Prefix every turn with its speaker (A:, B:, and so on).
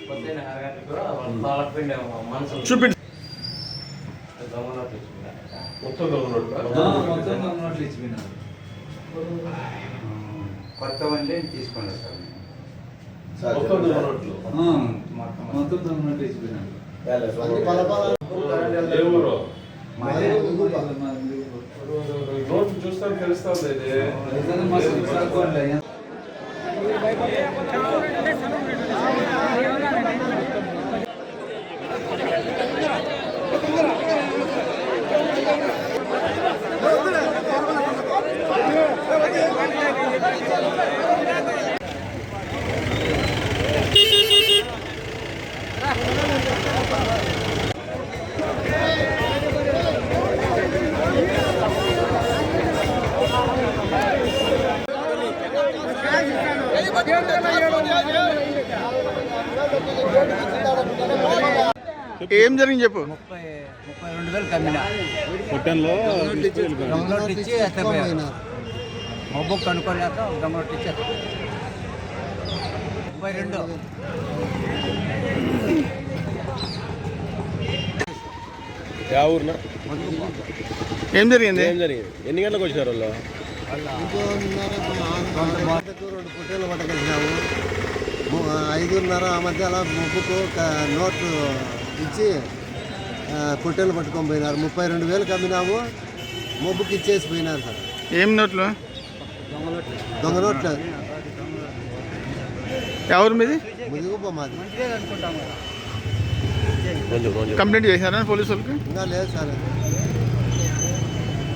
A: చూపించు.
B: కొత్త వన్లే తీసుకోండి సార్.
C: మొత్తం దొంగనోట్లు ఇచ్చిపోయినాడు.
D: నోట్ చూస్తే తెలుస్తుంది.
A: ఏం జరిగింది చెప్పు.
B: 32,000 కమ్మినా దొంగనోట్లు ఇచ్చి ఎత్తపోయారు. మబ్బు కనుక్కోలేక దొంగనోట్లు ఇచ్చి 32.
A: ఏం జరిగింది?
D: ఎన్ని గంటలకు వచ్చినారు వాళ్ళు?
E: 2 పుట్టేలు పట్టగలిగినాము. 5:30 ఆ మధ్య అలా ముగ్గుకు నోట్లు ఇచ్చి పుట్టేలు పట్టుకొని పోయినారు. 32,000 అమ్మినాము. మొబ్బుకి ఇచ్చేసి పోయినారు సార్.
A: ఏం నోట్లు?
E: దొంగ నోట్లు.
A: ఎవరు మీది?
E: ముదిగుప్ప మాది.
A: కంప్లైంట్ చేశారా పోలీసు వాళ్ళకి?
E: ఇంకా లేదు సార్.